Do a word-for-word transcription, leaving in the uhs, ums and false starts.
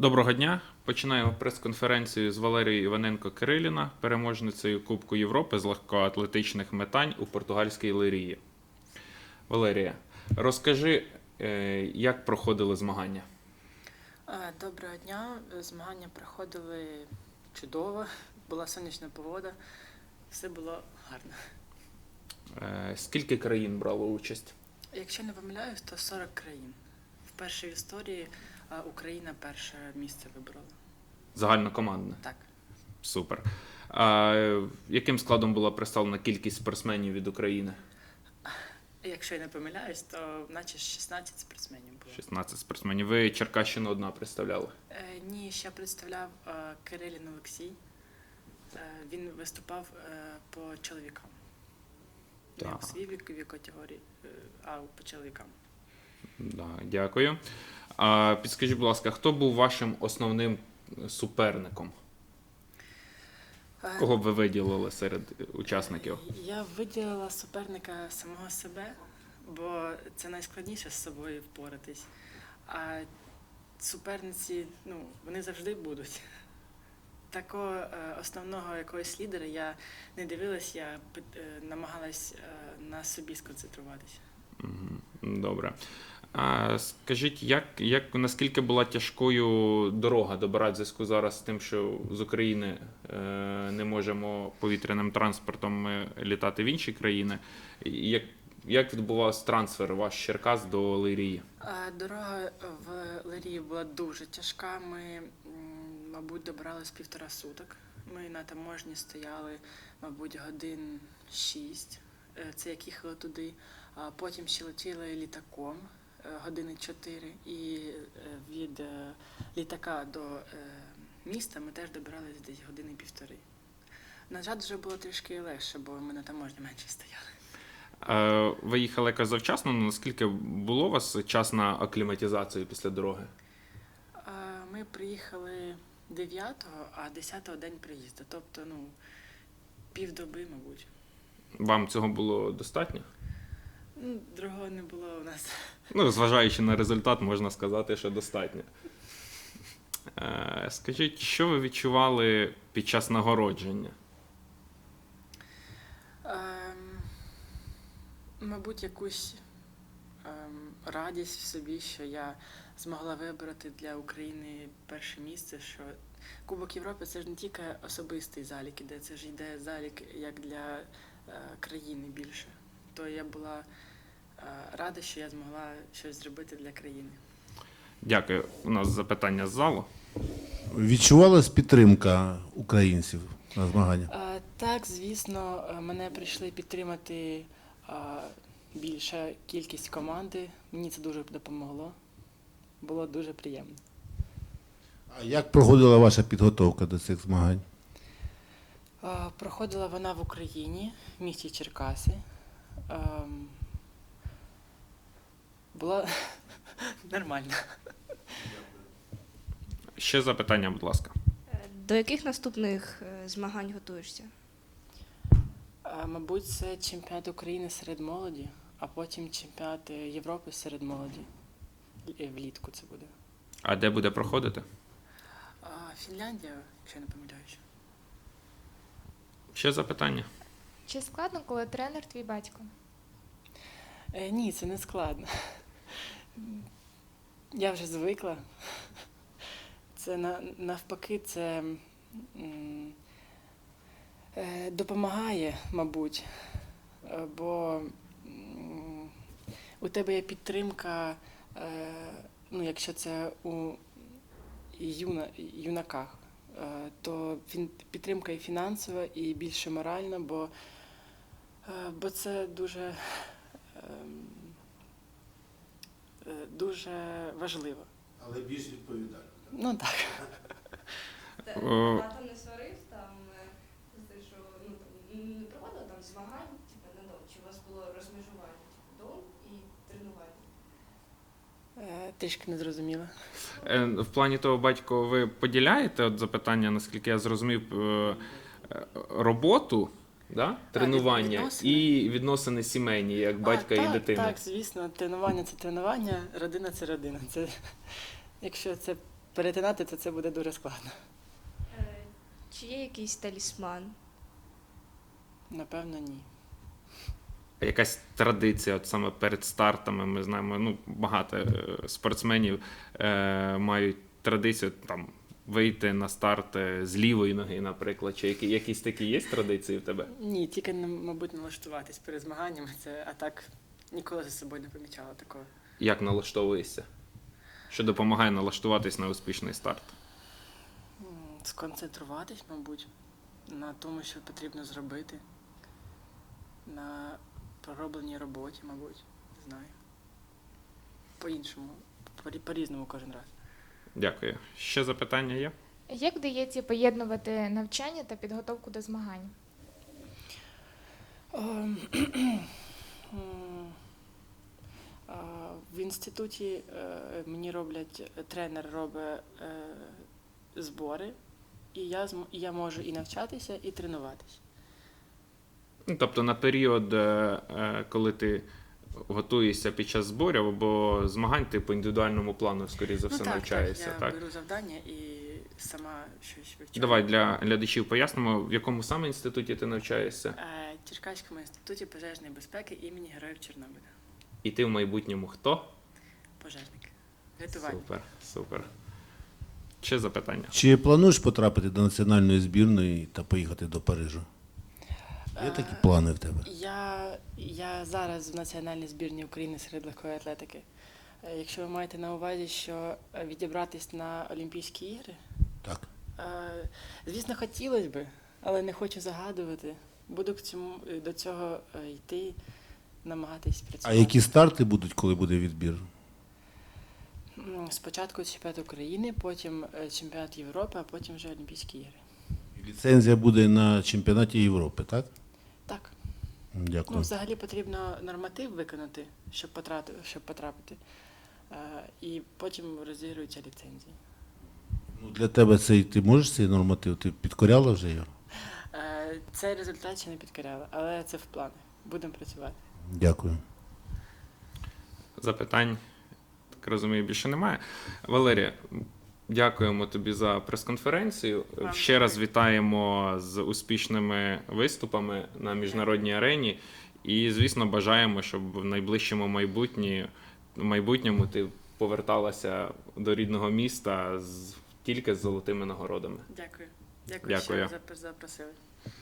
Доброго дня. Починаємо прес-конференцію з Валерією Іваненко-Кириліна, переможницею Кубку Європи з легкоатлетичних метань у португальській Лирії. Валерія, розкажи, як проходили змагання? Доброго дня. Змагання проходили чудово, була сонячна погода, все було гарно. Скільки країн брало участь? Якщо не помиляюсь, то сорок країн. Вперше в історії Україна перше місце вибрала. Загальнокомандне? Так. Супер. А яким складом була представлена кількість спортсменів від України? Якщо я не помиляюсь, то наче шістнадцять спортсменів було. шістнадцять спортсменів. Ви Черкащину одна представляли? Е, ні, ще представляв е, Кирилін Олексій. Е, він виступав е, по чоловікам. Не Так. у своїй віковій категорії, е, а по чоловікам. Да, дякую. А підскажіть, будь ласка, хто був вашим основним суперником? Кого б ви виділили серед учасників? Я виділила суперника самого себе, бо це найскладніше з собою впоратись. А суперниці, ну, вони завжди будуть. Такого е, основного якогось лідера я не дивилась, я е, намагалась е, на собі сконцентруватися. Добре. А скажіть, як, як, наскільки була тяжкою дорога до Бара в зв'язку зараз з тим, що з України е, не можемо повітряним транспортом літати в інші країни? Як, як відбувався трансфер ваш Черкас до Лирії? Дорога в Лирії була дуже тяжка. Ми, мабуть, добирались півтора суток. Ми на таможні стояли, мабуть, годин шість. Це як їхали туди. А потім ще летіли літаком години чотири. І від літака до міста ми теж добирались десь години півтори. На жаль, вже було трішки легше, бо ми на таможні менше стояли. Ви їхали якось завчасно, наскільки було у вас час на акліматизацію після дороги? Ми приїхали дев'ятого, а десятого день приїзду, тобто, ну, півдоби, мабуть. Вам цього було достатньо? Ну, другого не було у нас. Ну, зважаючи на результат, можна сказати, що достатньо. Скажіть, що ви відчували під час нагородження? Ем, мабуть, якусь ем, радість в собі, що я змогла вибрати для України перше місце, що Кубок Європи – це ж не тільки особистий залік іде, це ж йде залік як для е, країни більше. То я була е, рада, що я змогла щось зробити для країни. Дякую. У нас запитання з залу. Відчувалась підтримка українців на змаганнях? Е, так, звісно, мене прийшли підтримати е, більша кількість команди. Мені це дуже допомогло. Було дуже приємно. А як проходила ваша підготовка до цих змагань? Проходила вона в Україні, в місті Черкаси. Була нормально. Ще запитання, будь ласка. До яких наступних змагань готуєшся? Мабуть, це чемпіонат України серед молоді, а потім чемпіонат Європи серед молоді. Влітку це буде. А де буде проходити? Фінляндія, якщо я не помиляюсь. Ще запитання? Чи складно, коли тренер твій батько? Е, ні, це не складно. Я вже звикла. Це на, навпаки, це м, е, допомагає, мабуть, бо м, у тебе є підтримка, е, ну, якщо це у юна, юнаках, то підтримка і фінансова, і більше моральна, бо, бо це дуже, дуже важливо. Але більш відповідально. Ну так. Тато не сварив, там, що ну, не проводили там змагань, типу, на дом, чи у вас було розмежування, типу, дом і тренування? Трішки не зрозуміла. В плані того, батько, ви поділяєте от запитання, наскільки я зрозумів, роботу, да? тренування відносини. і відносини сімейні, як батька а, і так, дитини? Так, звісно, тренування – це тренування, родина – це родина. Це, якщо це перетинати, то це буде дуже складно. Е, Чи є якийсь талісман? Напевно, ні. Якась традиція, от саме перед стартами, ми знаємо, ну, багато е, спортсменів е, мають традицію там вийти на старт е, з лівої ноги, наприклад, чи які, якісь такі є традиції в тебе? Ні, тільки, мабуть, налаштуватись перед змаганнями, це, а так ніколи за собою не помічала такого. Як налаштовуєшся? Що допомагає налаштуватись на успішний старт? М, Сконцентруватись, мабуть, на тому, що потрібно зробити, на проробленій роботі, мабуть, не знаю. По-іншому, по- по-різному кожен раз. Дякую. Ще запитання є? Як вдається поєднувати навчання та підготовку до змагань? Ем, м, а, В інституті е, мені роблять, тренер робить е, збори, і я, зм- і я можу і навчатися, і тренуватися. Ну, тобто на період, е, е, коли ти готуєшся під час зборів або змагань, ти по індивідуальному плану, скоріше за все, ну, так, навчаєшся, так, я так? беру завдання і сама щось вивчаю. Давай для глядачів пояснимо, в якому саме інституті ти навчаєшся, Е, Черкаському інституті пожежної безпеки імені Героїв Чорнобиля. і ти в майбутньому хто? Пожежник. Рятувальник. Супер, супер. Ще запитання? Чи плануєш потрапити до національної збірної та поїхати до Парижу? Є такі Е, плани в тебе? Я, я зараз в національній збірні України серед легкої атлетики. Е, Якщо ви маєте на увазі, що е, відібратись на Олімпійські ігри, Так. е, звісно, хотілося б, але не хочу загадувати. Буду к цьому, е, до цього е, йти, намагатись А працювати. які старти будуть, коли буде відбір? М, Спочатку чемпіонат України, потім е, чемпіонат Європи, а потім вже Олімпійські ігри. Ліцензія буде на чемпіонаті Європи, так? Так. Дякую. Ну, взагалі потрібно норматив виконати, щоб потрапити, щоб потрапити. Е, і потім розігруються ліцензії. Ну, для тебе цей, ти можеш цей норматив? Ти підкоряла вже його? Е, цей результат ще не підкоряла, але це в планах. Будемо працювати. Дякую. Запитань, так розумію, більше немає. Валерія, дякуємо тобі за прес-конференцію. Вам Ще раз дякую. вітаємо з успішними виступами на міжнародній арені. І, звісно, бажаємо, щоб в найближчому майбутні, майбутньому ти поверталася до рідного міста з, тільки з золотими нагородами. Дякую. Дякую, Дякую. що запро- запросили.